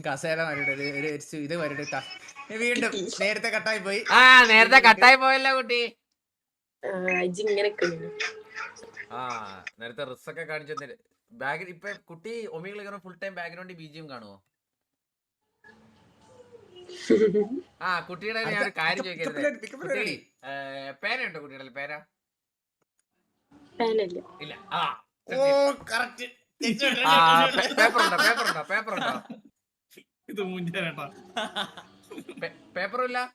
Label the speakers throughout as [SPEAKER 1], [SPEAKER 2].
[SPEAKER 1] കസേര വരട്ടെ ഇത് വരട്ടെ വീണ്ടും നേരത്തെ കട്ടായി പോയി.
[SPEAKER 2] നേരത്തെ കട്ടായി പോയല്ലോ കുട്ടി. നേരത്തെ റിസ്ക് ഒക്കെ കാണിച്ചു ബാഗ്. ഇപ്പൊ കുട്ടി ഒമികൾ ഫുൾ ടൈം ബാക്ക്ഗ്രൗണ്ടിൽ ബിജിയും കാണുമോ? കുട്ടിയുടെ ഞാൻ ഒരു കാര്യം ചോദിക്കരുത്. കുട്ടി പേരുണ്ടോ കുട്ടിയുടെ പേര? ഇല്ല. പേപ്പറുണ്ടോ? പേപ്പറില്ല.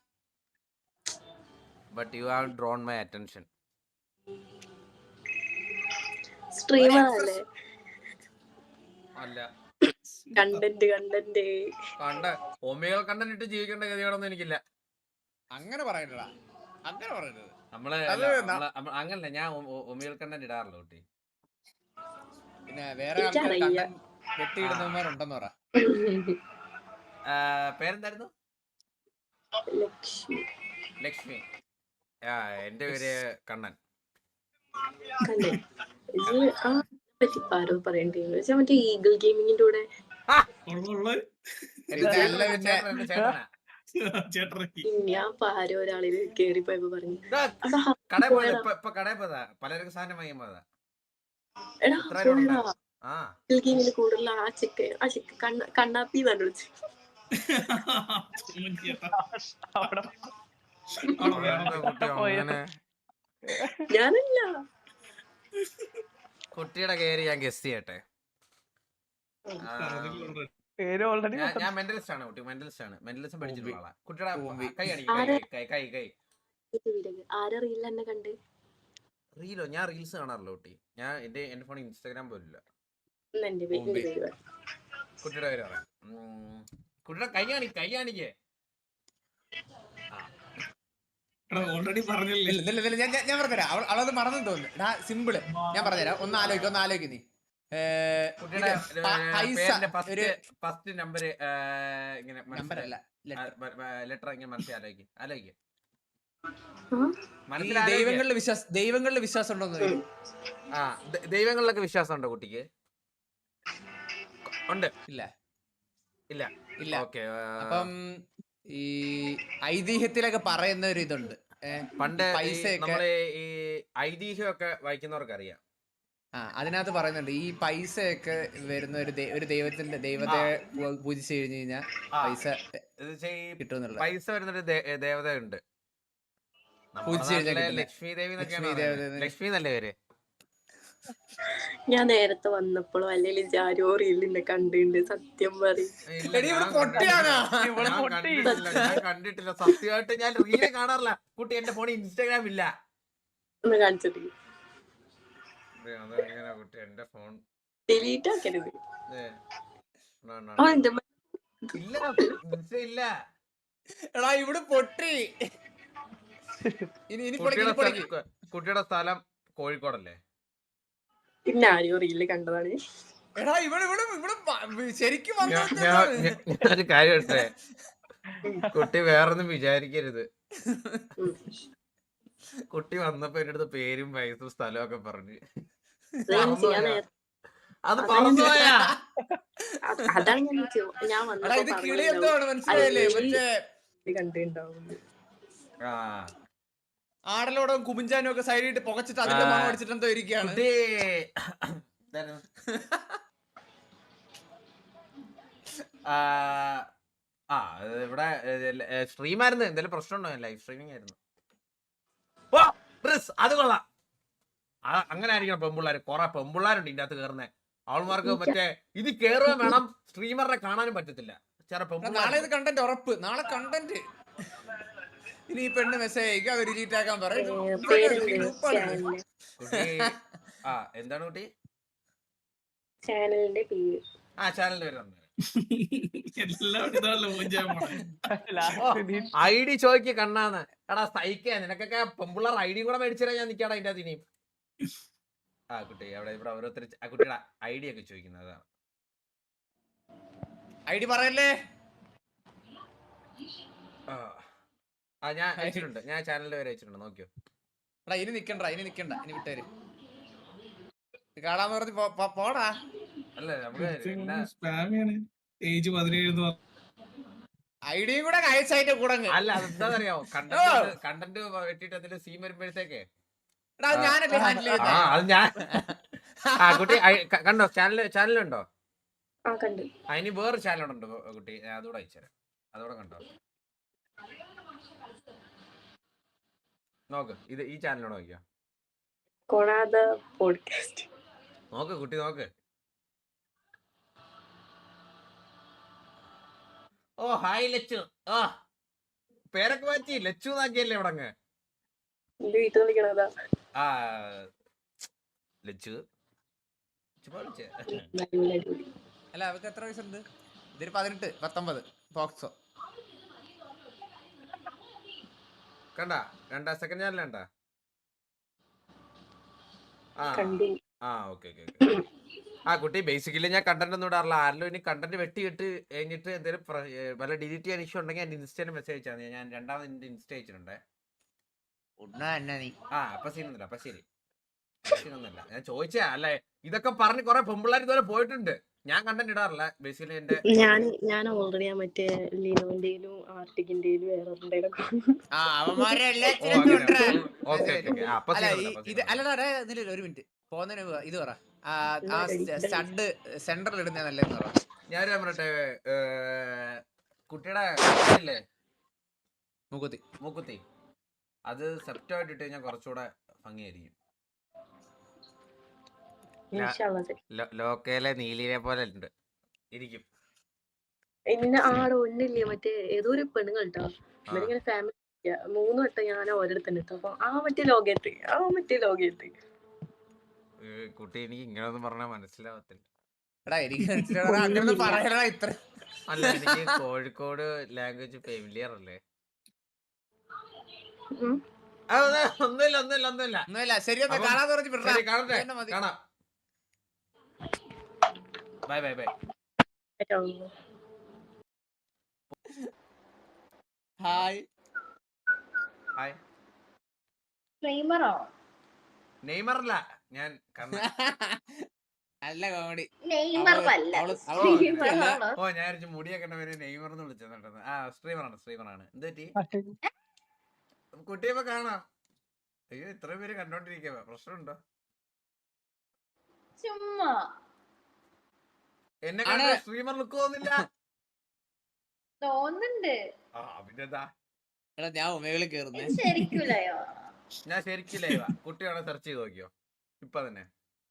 [SPEAKER 2] But you have drawn my attention.
[SPEAKER 3] സ്ട്രീമറല്ലേ?
[SPEAKER 2] അല്ല,
[SPEAKER 3] കണ്ടന്റ്
[SPEAKER 2] ഒമേഗ കണ്ടന്റ് ഇട്ട് ജീവിക്കേണ്ട ഗതികളൊന്നും എനിക്കില്ല.
[SPEAKER 1] അങ്ങനെ പറയണ്ടടാ, അങ്ങനെ പറയരുത്.
[SPEAKER 2] നമ്മള് അങ്ങനല്ല, ഞാൻ ഒമേഗ കണ്ടന്റ് ഇടാറില്ല കുട്ടി.
[SPEAKER 1] പിന്നെ വേറെ വെട്ടിയിടുന്നവന്മാരുണ്ടെന്ന് പറ.
[SPEAKER 2] പേരെന്തായിരുന്നു? ലക്ഷ്മി. എന്റെ പേര് കണ്ണൻ.
[SPEAKER 3] ആരോ പറയണ്ടേ മറ്റേ ഈഗിൾ ഗെയിമിങ്ങിന്റെ കൂടെ ഞാൻ ആരോ ഒരാളിൽ കേറിപ്പോയപ്പോ പറഞ്ഞു
[SPEAKER 2] പലർക്ക് സാധനം വാങ്ങിയപ്പോതാ.
[SPEAKER 3] ഗെയിമിന്റെ കൂടുതൽ ആ ചെക്ക കണ്ണാപ്പി തന്നെ വിളിച്ചു. ഞാനല്ല,
[SPEAKER 2] കുട്ടിയുടെ പേര് ഞാൻ ഗസ് ചെയ്യട്ടെ. ഞാൻ മെന്റലിസ്റ്റ് ആണ് കുട്ടി, മെന്റലിസം പഠിച്ചിട്ടുള്ള ആളാ. കുട്ടിയുടെ കൈ
[SPEAKER 3] ആരറിയില്ല എന്നെ കണ്ട്.
[SPEAKER 2] റീലോ? ഞാൻ റീൽസ് കാണാറില്ല കുട്ടി. ഞാൻ എന്റെ ഫോണിൽ ഇൻസ്റ്റാഗ്രാം പോലില്ല. കുട്ടിയുടെ പേര് പറയാം. കുട്ടിയുടെ കൈ കാണിക്കേ.
[SPEAKER 1] ഓൾറെഡി പറഞ്ഞില്ല. ഞാൻ പറഞ്ഞുതരാം, അവളത് മറന്നു തോന്നുന്നു. സിമ്പിള് ഞാൻ പറഞ്ഞുതരാം, ഒന്ന് ആലോചിക്കും നീ.
[SPEAKER 2] ഫസ്റ്റ് നമ്പർ
[SPEAKER 1] നമ്പറല്ല,
[SPEAKER 2] ലെറ്റർ ഇങ്ങനെ മനസ്സിലാക്കി ആലോചിക്കും.
[SPEAKER 1] ദൈവങ്ങളിലെ വിശ്വാസം ഉണ്ടോ?
[SPEAKER 2] ദൈവങ്ങളിലൊക്കെ വിശ്വാസം ഉണ്ടോ കുട്ടിക്ക്? ഉണ്ട്. ഇല്ല. ഓക്കെ. അപ്പം
[SPEAKER 1] ഈ ഐതിഹ്യത്തിലൊക്കെ പറയുന്ന ഒരു ഇതുണ്ട്.
[SPEAKER 2] പണ്ട് നമ്മള് ഈ ഐതിഹ്യമൊക്കെ വായിക്കുന്നവർക്ക് അറിയാം.
[SPEAKER 1] അതിനകത്ത് പറയുന്നുണ്ട് ഈ പൈസയൊക്കെ വരുന്ന ഒരു ദൈവതയെ പൂജിച്ചു കഴിഞ്ഞു കഴിഞ്ഞാൽ പൈസ കിട്ടും.
[SPEAKER 2] പൈസ വരുന്നൊരു ദേവതയുണ്ട്. ലക്ഷ്മി ദേവി. ലക്ഷ്മി നല്ല പേര്.
[SPEAKER 3] ഞാൻ നേരത്തെ വന്നപ്പോഴും അല്ലെങ്കിൽ ജാരോറിയിൽ കണ്ടിട്ടുണ്ട്. സത്യം പറയും,
[SPEAKER 2] കണ്ടിട്ടില്ല സത്യമായിട്ട്. ഞാൻ റീല് കാണാറില്ല കുട്ടി. എന്റെ ഫോണിൽ ഇൻസ്റ്റാഗ്രാം ഇല്ല.
[SPEAKER 3] ഒന്ന് കാണിച്ചിട്ട്
[SPEAKER 2] കുട്ടി എന്റെ ഫോൺ
[SPEAKER 3] ഡിലീറ്റ് ആക്കരുത്.
[SPEAKER 2] ഇല്ല.
[SPEAKER 1] എടാ ഇവിടെ പൊട്ടി.
[SPEAKER 2] കുട്ടിയുടെ സ്ഥലം കോഴിക്കോടല്ലേ?
[SPEAKER 3] പിന്നെ ആരോ റീല് കണ്ടതാണ്.
[SPEAKER 2] ഞാനൊരു കാര്യം എടുത്തേ, കുട്ടി വേറൊന്നും വിചാരിക്കരുത്. കുട്ടി വന്നപ്പോ എന്റെ അടുത്ത് പേരും വയസ്സും സ്ഥലവും ഒക്കെ പറഞ്ഞു. അത് പറഞ്ഞുപോയാ?
[SPEAKER 3] അതാണ് ഞാൻ കണ്ടിട്ടുണ്ടാവും.
[SPEAKER 1] ആടലോടും കുമിഞ്ചാനും ഒക്കെ സൈഡിട്ട് പുകച്ചിട്ട് അതിന്റെ മണം അടിച്ചിട്ട് എന്തോ ഇരിക്കുകയാണ്.
[SPEAKER 2] ഇവിടെ സ്ട്രീമായിരുന്നു. എന്തെങ്കിലും പ്രശ്നമുണ്ടോ? ലൈവ് സ്ട്രീമിംഗ് ആയിരുന്നു. അത് കൊള്ളാം. അങ്ങനെ ആയിരിക്കണം പെമ്പിള്ളാര്. കൊറേ പെമ്പിള്ളാരുണ്ട് ഇതിന്റെ അകത്ത് കയറുന്നേ. അവൾമാർക്ക് മറ്റേ ഇത് കേറുകയും വേണം, സ്ട്രീമറിനെ കാണാനും പറ്റത്തില്ല.
[SPEAKER 1] നാളെ ഇത് കണ്ടന്റ് ഉറപ്പ്. നാളെ കണ്ടന്റ് ഇനി ഈ പെണ്ണ് മെസ്സേജ് അയക്കും, അത് ഡിലീറ്റ് ആക്കാൻ പറയും.
[SPEAKER 2] എന്താണ് കുട്ടി
[SPEAKER 3] ചാനലിന്റെ പേര്?
[SPEAKER 2] ചാനലിന്റെ പേര് ഐ ഡി ചോദിക്ക് കണ്ണാന്ന്. എടാ സഹിക്കാ, നിനക്കൊക്കെ പെമ്പിള്ളാർ ഐ ഡി കൂടെ മേടിച്ചാൽ ഞാൻ നിക്കാടാ അതിന്റെ അതിനെയും. കുട്ടി അവിടെ ഇവിടെ ഓരോരുത്തർ ആ കുട്ടിയുടെ ഐ ഡി ഒക്കെ ചോദിക്കുന്നത്. അതാണ്
[SPEAKER 1] ഐ ഡി പറയല്ലേ.
[SPEAKER 2] ഞാൻ അയച്ചിട്ടുണ്ട്. ഞാൻ ചാനലിന്റെ പേര് അയച്ചിട്ടുണ്ട്, നോക്കിയോ.
[SPEAKER 1] ഇനി നിക്കണ്ട, ഇനി വിട്ടേര്. കാണാന്ന് പറഞ്ഞ് പോടാ.
[SPEAKER 2] അല്ല നമുക്ക്
[SPEAKER 4] ഏജ് 17
[SPEAKER 1] ഐഡിയും കൂടെ അയച്ചതിന്റെ കൂടെ
[SPEAKER 2] അല്ല അതെന്താന്നറിയാമോ, കണ്ടന്റ് വെട്ടിട്ട് അതില് സീൻ വരുമ്പോഴത്തേക്ക്
[SPEAKER 1] ഞാനല്ലേ ഹാൻഡിൽ
[SPEAKER 2] ആ അത് ഞാൻ ആ കുട്ടി കണ്ടോ, ചാനലുണ്ടോ?
[SPEAKER 3] ആ കണ്ടു.
[SPEAKER 2] അതിന് വേറെ ചാനലുണ്ടോ കുട്ടി, ഞാൻ അതോടെ അയച്ചുതരാം, അതോടെ കണ്ടോ നോക്ക്, ഇത് ഈ ചാനലോട് നോക്കിയോ,
[SPEAKER 3] കൊണാദ പോഡ്കാസ്റ്റ്.
[SPEAKER 2] നോക്ക് കുട്ടി നോക്ക്. ഓ ഹായ് ലച്ചു, ആ പേരൊക്കെ മാറ്റി ലച്ചു എന്നാക്കിയല്ലേ ഇവിടെ അങ്ങ്.
[SPEAKER 3] എന്റെ വീട്ടിൽ വിളിക്കണതാ.
[SPEAKER 2] ആ ലച്ചു ചുമ്മാ വിളിച്ചേ.
[SPEAKER 1] അല്ല അവർക്ക് എത്ര വയസ്സുണ്ട്? ഇതൊരു 18 19 പോക്സോ.
[SPEAKER 2] കണ്ട സെക്കൻഡ് ചാനൽ കണ്ട?
[SPEAKER 3] കണ്ടു.
[SPEAKER 2] ആ ഓക്കെ. ആ കുട്ടി ബേസിക്കലി ഞാൻ കണ്ടന്റ് ഒന്നും ഇടാറില്ല. ആരെങ്കിലും ഇനി കണ്ടന്റ് വെട്ടിയിട്ട് കഴിഞ്ഞിട്ട് എന്തെങ്കിലും വല്ല ഡിലീറ്റ് ചെയ്യാൻ ഇഷ്യൂ ഉണ്ടെങ്കിൽ എന്റെ ഇൻസ്റ്റയിൽ മെസ്സേജ് അയച്ചാൽ മതി. ഞാൻ രണ്ടാമത് എന്റെ ഇൻസ്റ്റ അയച്ചിട്ടുണ്ടേ. ആ അപ്പൊ സീനൊന്നുമില്ല, അപ്പൊ ശരി, സീനൊന്നുമില്ല. ഞാൻ ചോദിച്ചാ അല്ലേ, ഇതൊക്കെ പറഞ്ഞ് കുറെ പെമ്പിള്ളേർ ഇതുവരെ പോയിട്ടുണ്ട്. ഞാൻ കണ്ടന്റ് ഇടാറില്ല ബേസിക്കലി. എന്റെ
[SPEAKER 3] ഞാൻ ഓൾറെഡി ആ മറ്റേ ലിനോന്റെയിലും ആർട്ടിക്കിന്റെയിലും വേറെ
[SPEAKER 1] ഒരു മിനിറ്റ് പോന്നതിന് ഇത് പറ. സ്റ്റഡ് സെന്ററിൽ ഇടുന്ന നല്ലതെന്ന് പറ.
[SPEAKER 2] ഞാൻ പറയട്ടെ, കുട്ടിയുടെ ഇല്ലേ മൂക്കുത്തി, അത് സെപ്റ്റായിട്ട് ഇട്ട് കഴിഞ്ഞാൽ കുറച്ചുകൂടെ ഭംഗിയായിരിക്കും. ലോക്കയിലെ നീലിനെ പോലെ ഉണ്ട് ഇരിക്കും.
[SPEAKER 3] എന്നെ ആടോ ഒന്നില്ലേ മറ്റേ ഏതോ ഒരു പെണ്ണുങ്ങൾ കേട്ടോ, ഇവരിങ്ങനെ ഫാമിലി 3 വട്ടം ഞാൻ ഓരോരുത്തന്നെ ഇട്ടു. അപ്പൊ മറ്റേ ലോകത്ത്
[SPEAKER 2] കുട്ടി എനിക്ക് ഇങ്ങനൊന്നും പറഞ്ഞാൽ മനസ്സിലാവത്തില്ല. അല്ല എനിക്ക് കോഴിക്കോട് ലാംഗ്വേജ് ഫെമിലിയർ അല്ലേ. ഒന്നുമില്ല
[SPEAKER 1] ശരി
[SPEAKER 2] കാണാം. ബൈ.
[SPEAKER 1] ഹായ്
[SPEAKER 2] നെയ്മറല്ല ഞാൻ
[SPEAKER 1] നല്ല കോമഡി.
[SPEAKER 2] ഓ ഞാൻ മുടിയൊക്കെ നെയ്മർ എന്ന് വിളിച്ചെന്നിട്ടത്. ആ സ്ട്രീമറാണ്. എന്ത് പറ്റി കുട്ടിയപ്പോ കാണാം? അയ്യോ ഇത്രയും പേര് കണ്ടോണ്ടിരിക്കുക, പ്രശ്നമുണ്ടോ?
[SPEAKER 5] ചുമ്മാ
[SPEAKER 2] എന്നെ സ്ട്രീമർ ലുക്ക്
[SPEAKER 5] തോന്നുന്നുണ്ട്.
[SPEAKER 2] പിന്നെന്താ,
[SPEAKER 1] ഞാൻ ഉമകളിൽ കേറുന്നേ.
[SPEAKER 2] ഞാൻ ശരിക്കും ലൈവാ. കുട്ടിയാണെ സെർച്ച് ചെയ്ത് നോക്കിയോ ഇപ്പൊ തന്നെ.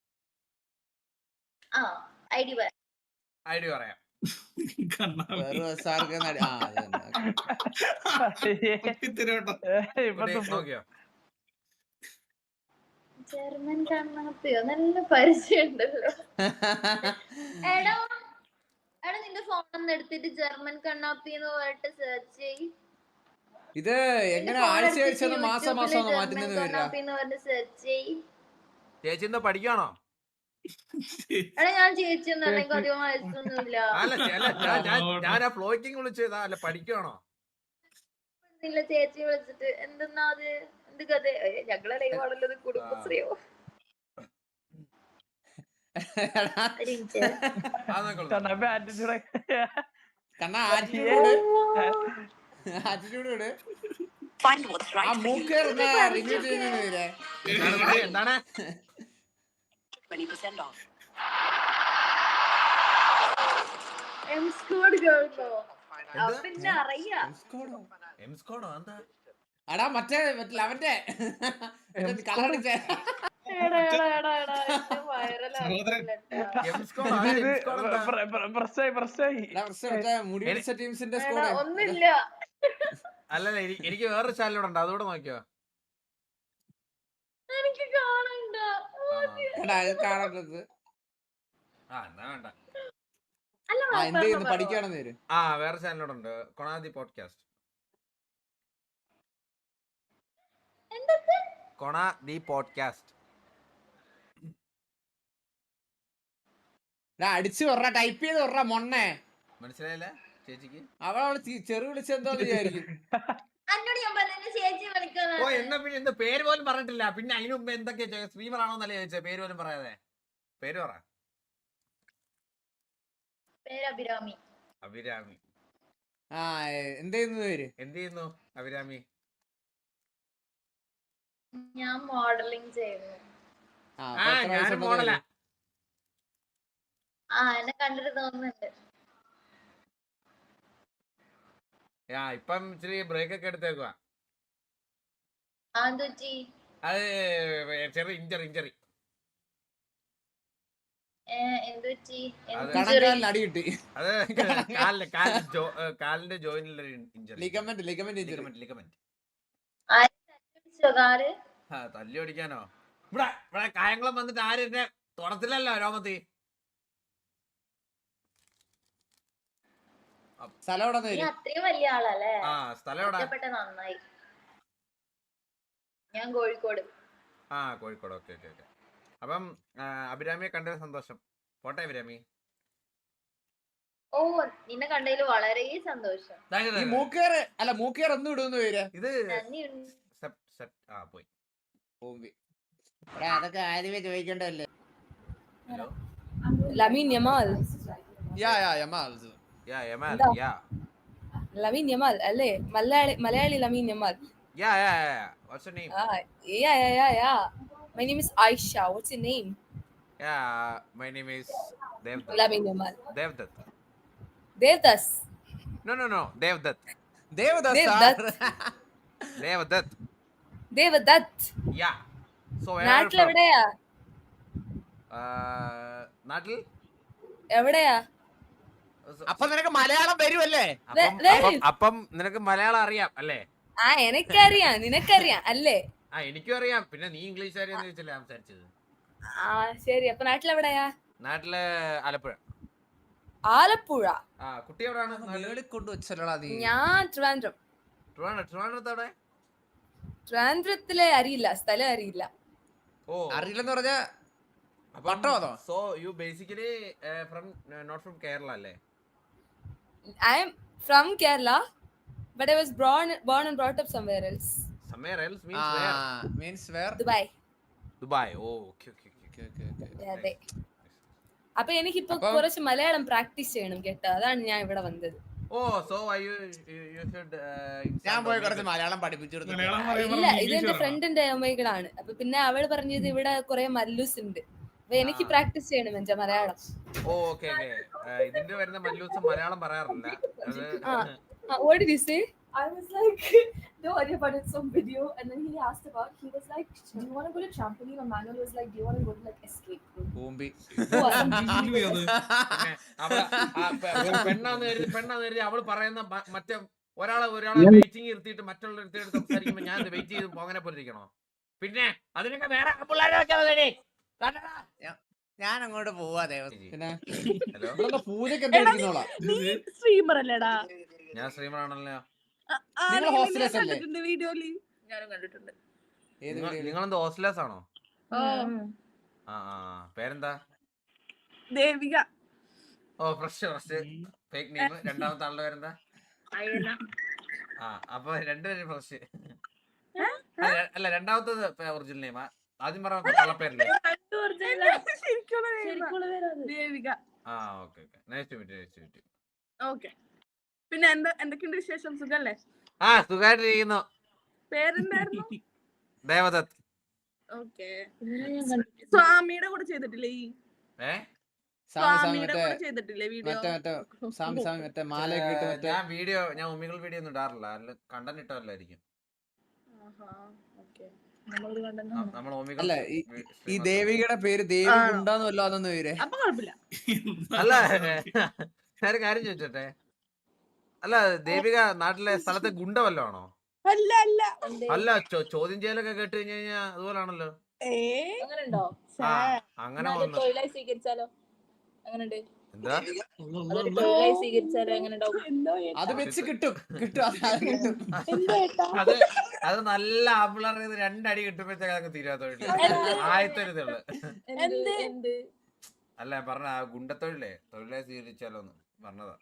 [SPEAKER 2] ഐഡി പറയാം. നോക്കിയോ?
[SPEAKER 5] ജർമ്മൻ കണ്ണാപ്പിയോ, നല്ല പരിചയം ഉണ്ടല്ലോ. എടാ നിന്റെ ഫോൺ ഒന്ന് എടുത്തിട്ട് ജർമ്മൻ കണ്ണാപ്പി എന്ന് പറഞ്ഞിട്ട് സെർച്ച് ചെയ്യ്.
[SPEAKER 1] ഇത് എങ്ങനെ ആഴ്ച മാസം മാറ്റുന്നത്?
[SPEAKER 2] ചേച്ചി എന്താ പഠിക്കാണോ?
[SPEAKER 5] എടാ ഞാൻ ചേച്ചി ഒന്നും അല്ലെങ്കിൽ അധികം വയസ്സൊന്നുമില്ല.
[SPEAKER 2] ഞാൻ ആ ഫ്ലോറ്റിംഗ് വിളിച്ചതാ. അല്ല പഠിക്കാണോ?
[SPEAKER 5] ചേച്ചി വിളിച്ചിട്ട് എന്തെന്നാ അത് എന്ത് കഥ? ഞങ്ങളെ ലൈവാണല്ലോ, കുടുംബശ്രീയോ?
[SPEAKER 2] എന്താണ്
[SPEAKER 1] അടാ മറ്റേ അവന്റെ കളറടിച്ചേ
[SPEAKER 5] ഒന്നില്ല.
[SPEAKER 2] അല്ലല്ല എനിക്ക് വേറൊരു ചാനലുണ്ട്, അതുകൂടെ നോക്കിയോ?
[SPEAKER 5] എനിക്ക് കാണണ്ട.
[SPEAKER 1] കാണേണ്ടത് പഠിക്കാണെന്ന് വരും.
[SPEAKER 2] വേറെ ചാനലോടുണ്ട്, കൊണാദി പോഡ്കാസ്റ്റ്. കൊണാദി പോഡ്കാസ്റ്റ്
[SPEAKER 1] അടിച്ചു പറ, ടൈപ്പ് ചെയ്ത് പറ മൊണ്ണേ.
[SPEAKER 2] മനസ്സിലായില്ല ചേച്ചിക്ക്?
[SPEAKER 1] അവളവിടെ ചെറു വിളിച്ചെന്തോന്ന് വിചാരിക്കും.
[SPEAKER 2] ഓ എന്നാ പിന്നെ എന്താ പേര് പോലും പറഞ്ഞിട്ടില്ല. പിന്നെ അതിന് മുമ്പ് എന്തൊക്കെയാ സ്ട്രീമർ ആണോന്നല്ലേ ചോദിച്ചത്? പേര് പോലും പറയാതെ. പേര് പറ.
[SPEAKER 5] അഭിരാമി.
[SPEAKER 2] അഭിരാമി.
[SPEAKER 1] ആ എന്ത് ചെയ്യുന്നു പേര്?
[SPEAKER 2] എന്ത് ചെയ്യുന്നു അഭിരാമി?
[SPEAKER 5] ഞാൻ മോഡലിംഗ് ചെയ്യുന്നു.
[SPEAKER 1] അപ്പൊ എത്ര
[SPEAKER 2] ഞാനും
[SPEAKER 1] വയസ്സുണ്ടെന്ന്
[SPEAKER 2] മോഡലാ.
[SPEAKER 1] പേര്?
[SPEAKER 5] എന്നെ കണ്ടിട്ട് തോന്നുന്നുണ്ട്.
[SPEAKER 2] ഇപ്പം ഇച്ചിരി ബ്രേക്ക് ഒക്കെ എടുത്തേക്കുവാ.
[SPEAKER 5] എന്ത് പറ്റി?
[SPEAKER 2] അത് ചെറിയ ഇഞ്ചറി.
[SPEAKER 5] എന്ത് പറ്റി?
[SPEAKER 2] അത്
[SPEAKER 1] കണക്കാലിന് അടി കിട്ടി.
[SPEAKER 2] അത് കാലിന്റെ ജോയിനിലുള്ള ഇഞ്ചറി.
[SPEAKER 1] Ligament injury.
[SPEAKER 2] ലിഗമെന്റ്.
[SPEAKER 5] കാല്
[SPEAKER 2] തല്ലി ഓടിക്കാനോ? ഇവിടെ കായംകുളം വന്നിട്ട് ആരും എന്നെ തുടത്തില്ലല്ലോ രോമത്തി.
[SPEAKER 1] സ്ഥലം എവിടെ
[SPEAKER 5] നീ അത്രയും വലിയ ആളല്ലേ?
[SPEAKER 2] സ്ഥലം എവിടെ?
[SPEAKER 5] നന്നായി. ഞാൻ കോഴിക്കോട്.
[SPEAKER 2] കോഴിക്കോട്. ഓക്കെ. അപ്പം അഭിരാമിയെ കണ്ടത് സന്തോഷം. പോട്ടെ അഭിരാമി.
[SPEAKER 5] നിന്നെ കണ്ടതിൽ വളരെ സന്തോഷം.
[SPEAKER 1] ഈ മൂക്കേർ ഒന്നും ഇടുന്നു പേര്.
[SPEAKER 2] ഇത് പോയി.
[SPEAKER 1] അതൊക്കെ ആദ്യമേ ചോദിക്കേണ്ടതല്ലേ.
[SPEAKER 2] Hello
[SPEAKER 4] Lamine Yamal.
[SPEAKER 1] Yamal.
[SPEAKER 4] Lamine Yamal, അല്ലേ? Malayali Lamine Yamal.
[SPEAKER 2] What's your name?
[SPEAKER 4] Yeah. My name is Aisha. What's your name?
[SPEAKER 2] My name is Devdutt.
[SPEAKER 4] Lamine Yamal.
[SPEAKER 2] Devdutt.
[SPEAKER 4] Devdas.
[SPEAKER 2] No. Devdutt.
[SPEAKER 4] Devdutt.
[SPEAKER 2] Yeah. So where are you
[SPEAKER 4] നാട്ടിൽ
[SPEAKER 2] from?
[SPEAKER 4] എവിടെയാ?
[SPEAKER 2] നാട്ടിൽ
[SPEAKER 4] എവിടെയാ?
[SPEAKER 1] അപ്പൊ നിനക്ക് മലയാളം വരുമല്ലേ?
[SPEAKER 2] അപ്പം നിനക്ക് മലയാളം അറിയാം അല്ലേ?
[SPEAKER 4] എനിക്കറിയാം, നിനക്കറിയാം അല്ലേ?
[SPEAKER 2] എനിക്കും അറിയാം. പിന്നെ നീ ഇംഗ്ലീഷ് അറിയാന്ന് ചോദിച്ചല്ലേ സംസാരിച്ചത്.
[SPEAKER 4] ശരി. അപ്പൊ നാട്ടിലെവിടെയാ?
[SPEAKER 2] നാട്ടില് ആലപ്പുഴ.
[SPEAKER 4] ആലപ്പുഴ.
[SPEAKER 2] കുട്ടി എവിടെയാണ്?
[SPEAKER 1] കൊണ്ടുവച്ചല്ലോടാ നീ.
[SPEAKER 4] ഞാൻ ട്രിവാൻഡ്രം.
[SPEAKER 2] ട്രിവാൻഡ്രത്ത്?
[SPEAKER 4] ട്രിവാൻഡ്രത്തിലെ അറിയില്ല, സ്ഥലം അറിയില്ല.
[SPEAKER 1] അറിയില്ലെന്ന് പറഞ്ഞ പട്ടമാണോ?
[SPEAKER 2] So you basically not from Kerala അല്ലേ?
[SPEAKER 4] I am from Kerala, but I was born and brought up somewhere else.
[SPEAKER 2] Somewhere else means where?
[SPEAKER 1] Means where?
[SPEAKER 2] Dubai. Okay.
[SPEAKER 4] അതെ. അപ്പൊ എനിക്കിപ്പോ കുറച്ച് മലയാളം പ്രാക്ടീസ് ചെയ്യണം കേട്ടോ. അതാണ് ഞാൻ ഇവിടെ വന്നത്.
[SPEAKER 2] So you should
[SPEAKER 1] ഞാൻ പോയി കുറച്ച് മലയാളം പഠിപ്പിച്ചു കൊടുത്തു.
[SPEAKER 4] ഇല്ല, ഇത് എന്റെ ഫ്രണ്ടിന്റെ അമ്മകളാണ്. അപ്പൊ പിന്നെ അവള് പറഞ്ഞത് ഇവിടെ കുറെ മല്ലൂസ് ഉണ്ട്. അപ്പൊ എനിക്ക് പ്രാക്ടീസ് ചെയ്യണം എന്റെ മലയാളം.
[SPEAKER 2] ഓക്കെ. ഇതിന്റെ വരുന്ന മല്ലൂസ് മലയാളം പറയാറില്ല.
[SPEAKER 4] What did you say? I was like, don't worry about it, some video. And then he asked about, he was like, do you want to go to trampoline? Or Manuel was like, do you want to go to like escape room?
[SPEAKER 1] പൂമ്പി.
[SPEAKER 2] പെണ്ണാന്ന് കരുതി അവള് പറയുന്ന മറ്റേ ഒരാളെ waiting ഇരുത്തിയിട്ട് മറ്റുള്ള സംസാരിക്കുമ്പോ ഞാൻ wait ചെയ്ത് പോകാനെ പോലിരിക്കണോ? പിന്നെ അതിനൊക്കെ വേറെ പിള്ളേരെ
[SPEAKER 1] ഞാൻ അങ്ങോട്ട് പോവാ ദേവസ്. പിന്നെ
[SPEAKER 2] ഹലോ,
[SPEAKER 1] പൂജക്ക് എന്താ?
[SPEAKER 3] സ്ട്രീമർ അല്ലേടാ?
[SPEAKER 2] ഞാൻ സ്ട്രീമറാണല്ലോ.
[SPEAKER 1] നിങ്ങൾ ഹോസ്റ്റലേഴ്സ് അല്ലേ?
[SPEAKER 3] വീഡിയോയില് ഞാനും കണ്ടിട്ടുണ്ട്.
[SPEAKER 2] നിങ്ങളെന്താ ഹോസ്റ്റലേഴ്സ് ആണോ? പേരെന്താ?
[SPEAKER 3] ദേവിക.
[SPEAKER 2] Fresh fake name. രണ്ടാമത്തെ ആളുടെ പേരെന്താ? അപ്പൊ രണ്ടുപേരും ഫ്രഷ് അല്ല, രണ്ടാമത്തെ ഒറിജിനൽ നെയിമാ? ആദ്യം പറഞ്ഞ കള്ളപ്പേരല്ലേ?
[SPEAKER 3] Devika.
[SPEAKER 2] Okay. Nice to meet.
[SPEAKER 3] Okay. പിന്നെ എന്തൊക്കെയുണ്ട് വിശേഷം? സുഖല്ലേ?
[SPEAKER 2] സുഖമായിട്ടിരിക്കുന്നു.
[SPEAKER 3] പേരെന്തായിരുന്നു?
[SPEAKER 2] ദേവദത്ത്.
[SPEAKER 3] ഓക്കെ. സ്വാമിയുടെ കൂടെ ചെയ്തിട്ടില്ലേ? സ്വാമിയുടെ കൂടെ ചെയ്തിട്ടില്ലേ വീഡിയോ?
[SPEAKER 1] മറ്റേ മാലയൊക്കെ ഇട്ട്
[SPEAKER 2] ഞാൻ ഉമ്മികൾ വീഡിയോ ഒന്നും ഇടാറില്ല. കണ്ടന്റ് ഇട്ടല്ലായിരിക്കും.
[SPEAKER 1] അല്ല, ഈ ദേവികയുടെ പേര് ദേവി ഉണ്ടാന്ന് വല്ലോ അതൊന്നും പേര്?
[SPEAKER 3] അപ്പൊ കുഴപ്പമില്ല.
[SPEAKER 2] അല്ല, ഞാൻ കാര്യം ചോദിച്ചോട്ടെ. അല്ല, ദേവിക നാട്ടിലെ സ്ഥലത്തെ ഗുണ്ട വല്ലോ ആണോ? അല്ല, ചോദ്യം ചെയ്യലൊക്കെ കേട്ട് കഴിഞ്ഞു കഴിഞ്ഞാ അതുപോലാണല്ലോ. അങ്ങനെ
[SPEAKER 5] സ്വീകരിച്ചാലോ? എങ്ങനെയുണ്ട്?
[SPEAKER 2] എന്താ
[SPEAKER 5] സ്വീകരിച്ചാലോ എങ്ങനെ?
[SPEAKER 1] അത് വെച്ച് കിട്ടും.
[SPEAKER 2] അത് നല്ല ആപ്പിളറിയത് രണ്ടടി കിട്ടുമ്പോഴത്തേക്ക് തീരാത്തൊഴില് ആയത്തൊരിതുള്ളു. അല്ല, ഞാൻ പറഞ്ഞ ഗുണ്ടത്തൊഴിലേ തൊഴിലായി സ്വീകരിച്ചാലോന്ന് പറഞ്ഞതാ.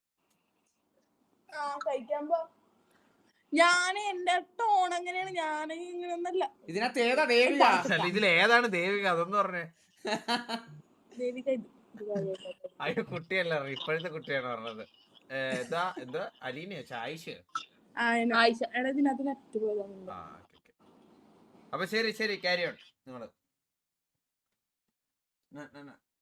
[SPEAKER 3] ഞാൻ എന്റെ ടോൺ എങ്ങനെയാണ്? ഞാൻ ഇങ്ങനെയൊന്നല്ല.
[SPEAKER 1] ഇതിനകത്ത് ഏതാ ദേവിക?
[SPEAKER 2] ഇതിലേതാണ് ദേവിക? അതൊന്നും പറഞ്ഞേ.
[SPEAKER 3] ദേവിക
[SPEAKER 2] അയ്യോ, കുട്ടിയല്ല, ഇപ്പോഴത്തെ കുട്ടിയാണ് പറഞ്ഞത്. എന്താ അലീനയോ ആയിഷയോ?
[SPEAKER 3] ആയിഷ.
[SPEAKER 4] എടാ ഇതിനകത്ത് നെറ്റ് പോയതാണ്.
[SPEAKER 2] ആ ഓക്കെ. അപ്പൊ ശരി ക്യാരി ഓൺ നിങ്ങള്.